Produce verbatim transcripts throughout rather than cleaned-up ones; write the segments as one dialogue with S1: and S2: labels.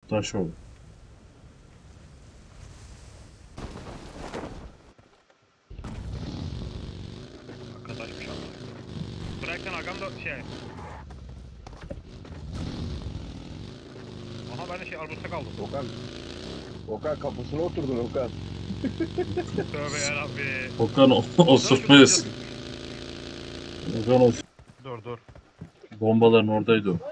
S1: Taş oldu.
S2: Arkadaşmış ama. Bırakın agam da şey. Aha ben de şey arbusta kaldım.
S3: Okan. Okan kapısına oturdun Okan.
S2: Tövbe yarabbi.
S1: Okan o- osurtma yesin. Okan o
S2: Dur dur.
S1: bombaların oradaydı o.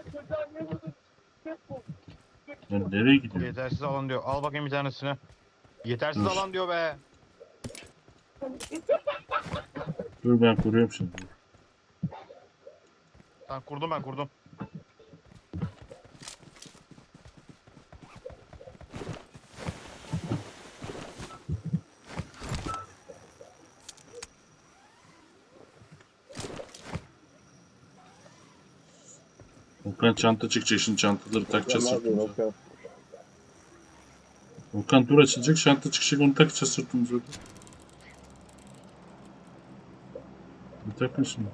S1: Ben nereye gidiyorum?
S2: Yetersiz alan diyor. Al bakayım bir tanesini. Yetersiz
S1: Dur.
S2: alan diyor be.
S1: Dur ben kuruyorum şimdi.
S2: Tamam kurdum ben kurdum.
S1: Okan çanta çıkacak şimdi çantaları
S3: Okan
S1: takacağız
S3: ne yapıyorsun
S1: sırtımıza.
S3: Okan?
S1: Okan dur açılacak çanta çıkacak onu takacağız sırtımıza. Bir takın şimdi.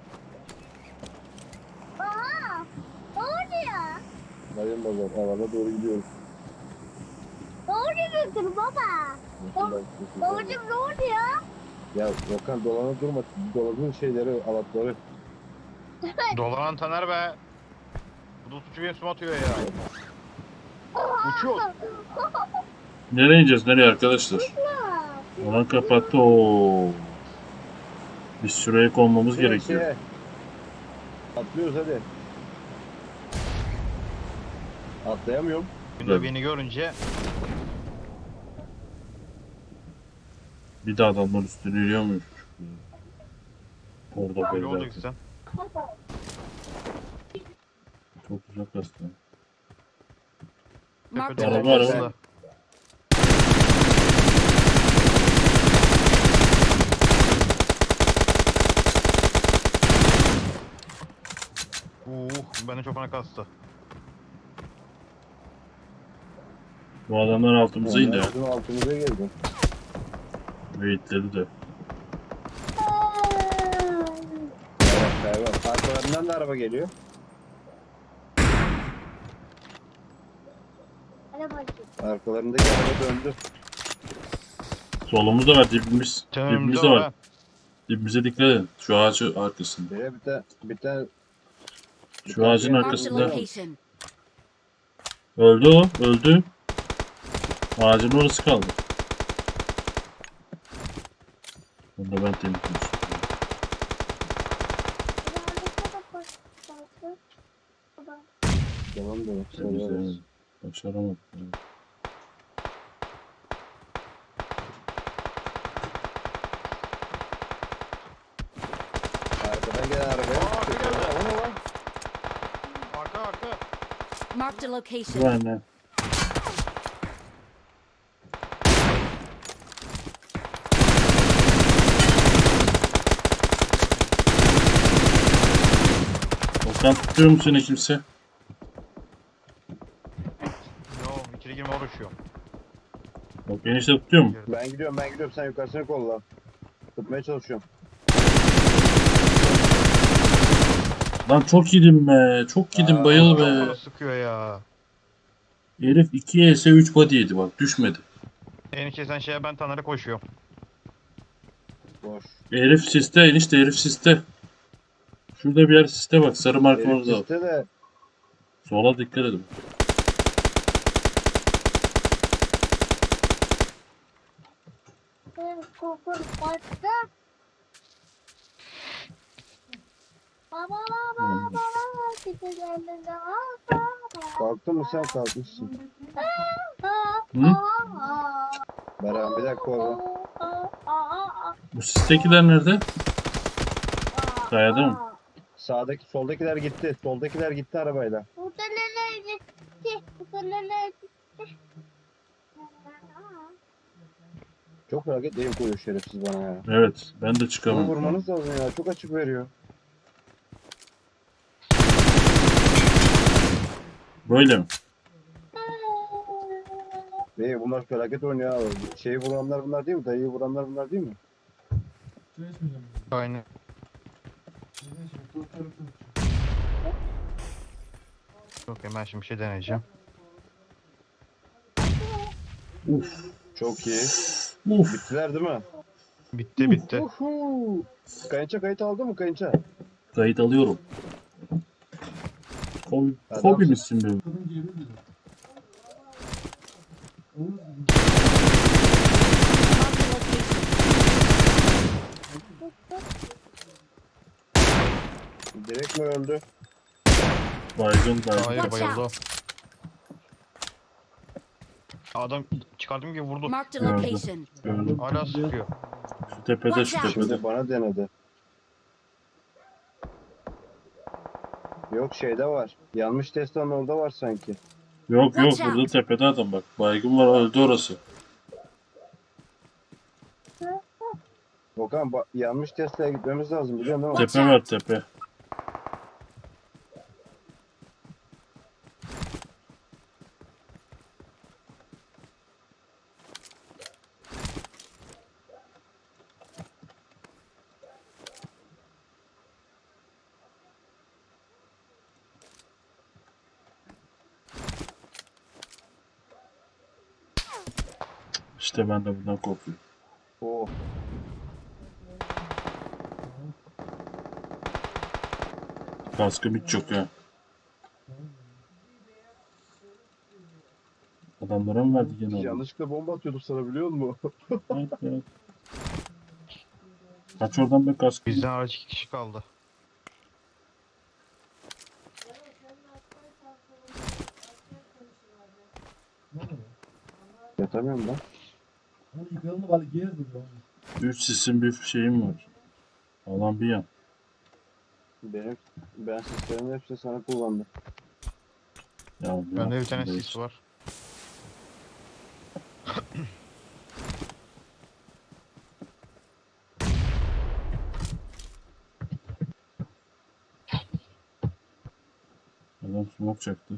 S4: Aa, ne oluyor?
S3: Dayım bazar alana doğru gidiyoruz.
S4: Ne oluyor baba?
S3: Nasıl ben size
S4: Babacım
S3: söyleyeyim?
S4: ne oluyor?
S3: Ya Okan dolana durma. Doladığın şeyleri, alatları.
S2: Dolanan Taner be. Bu da suçu benim üstüme atıyor ya. Uçuyor.
S1: Nereye ineceğiz nereye arkadaşlar? Alan kapattı o. Biz şuraya konmamız
S3: Şeye,
S1: gerekiyor.
S3: şeye. Atlıyoruz hadi. Atlayamıyorum.
S2: Günde beni görünce
S1: Bir de adamlar üstüne yürüyor muymuş? Orada
S2: böyle
S1: böyle.
S2: olacaksın.
S1: Çok uzak aslında.
S5: Marked
S2: Tepede
S5: a
S1: Araba, araba.
S5: location.
S2: Uh, beni çok fena kastı.
S1: Bu adamlar altımıza indi ya.
S3: Bizim altımıza geldi.
S1: Ve itledi de.
S3: Evet, evet. Arkalarından da araba geliyor.
S4: Hadi bakayım.
S3: Arkalarındaki araba döndü.
S1: Solumuzda var dibimiz.
S2: Canım
S1: Dibimizde
S2: canım
S1: var.
S2: be.
S1: Dibimize dikkat edin. Şu ağacı arkasında.
S3: Şeye bir tane bir tane
S1: Şu ağacın
S5: Marked a
S1: arkasında.
S5: location.
S1: Öldü o. Öldü. Ağacın orası kaldı. Onu da ben temizliyorum.
S3: tamam da
S1: Temizleyemedim. Başaramadım. Evet.
S3: arkadan gelen arabaya.
S2: Aa, arka geldi.
S3: O ne lan?
S2: Arka arka.
S5: Marked a location.
S1: Bu anne. Okan tutuyor mu seni kimse?
S2: Yo içeri girme uğraşıyor.
S1: Bak enişte tutuyor mu?
S3: Ben gidiyorum ben gidiyorum sen yukarısını kolla. Tutmaya çalışıyorum.
S1: Lan çok yedim be. Çok yedim
S3: Aa,
S1: bayıl
S2: Çok
S1: be.
S2: fena sıkıyor ya.
S1: Herif iki E S üç body yedi bak düşmedi.
S2: Enişte sen şeye ben Taner'e koşuyorum.
S3: Boş.
S1: Herif siste enişte herif siste. Şurada bir yer siste bak sarı marka
S3: Herif
S1: orada.
S3: piste de
S1: Sola dikkat edin.
S4: Kokur battı. Baba baba
S1: Hmm.
S4: baba gidi geldiğinde baba.
S3: kalktın mı sen kalkmışsın.
S1: Hı?
S3: Beren bir dakika oğlum.
S1: Bu sistekiler nerede? Kayada mı?
S3: Sağdaki soldakiler gitti. Soldakiler gitti arabayla.
S4: Burada neler gitti? Burada neler gitti?
S3: Çok hareket elim koyuyor şerefsiz bana ya.
S1: Evet ben de
S3: Bunu
S1: çıkamam.
S3: vurmanız lazım ya. Çok açık veriyor.
S1: Böyle mi?
S3: Bey bunlar felaket oynuyor abi. Şeyi vuranlar bunlar değil mi? Dayıyı vuranlar bunlar değil mi?
S2: Aynen. Okey ben şimdi bir şey deneyeceğim.
S1: Uf.
S3: Çok iyi.
S1: Uf.
S3: Bittiler değil mi?
S2: Bitti bitti.
S3: Uhu. Kayınça kayıt aldı mı kayınça?
S1: Kayıt alıyorum. Kobi,
S3: Adamsın.
S1: Kobi misin be?
S3: Direkt mi öldü?
S1: Baygın baygın.
S2: Hayır
S5: Watch
S2: bayıldı.
S5: out.
S2: Adam çıkardım gibi vurdu.
S5: Marked a location.
S1: Gördüm.
S2: Hala sıkıyor.
S1: Şu tepede şu
S5: Watch out.
S1: tepede.
S3: Şimdi bana denedi. Yok şeyde var. Yanmış Tesla'nın orada var sanki.
S1: Yok yok
S5: Watch out.
S1: burada tepede adam bak. Baygın var öldü orası.
S3: Okan ba- yanmış Tesla'ya gitmemiz lazım biliyorsun değil mi?
S5: Watch
S1: Tepe var tepe. İşte ben de bundan korkuyorum.
S3: Oo.
S1: Kaskım hiç yok ya. Adamlara mı verdi gene onu?
S3: Yanlışlıkla bomba atıyordum sana biliyor musun?
S1: Evet, evet. Kaç oradan be kaskım.
S2: Bizden hariç iki kişi kaldı.
S3: Yatamıyorum ben.
S1: Üç sisim bir şeyim var. Alan bir yan.
S3: Benim ben sistemin hepsini sana kullandım.
S1: Ya, ne
S2: Bende bir
S1: yaptın
S2: tane
S1: be
S2: sis
S1: işte.
S2: var.
S1: Adam smoke çaktı.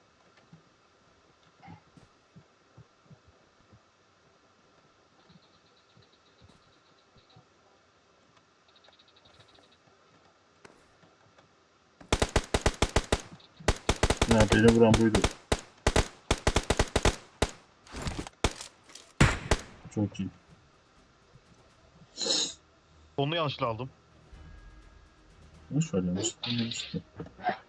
S1: Ya beni vuran buydu. Çok iyi.
S2: Onu yanlışla aldım.
S1: Boş ver yanlış. Yanlış.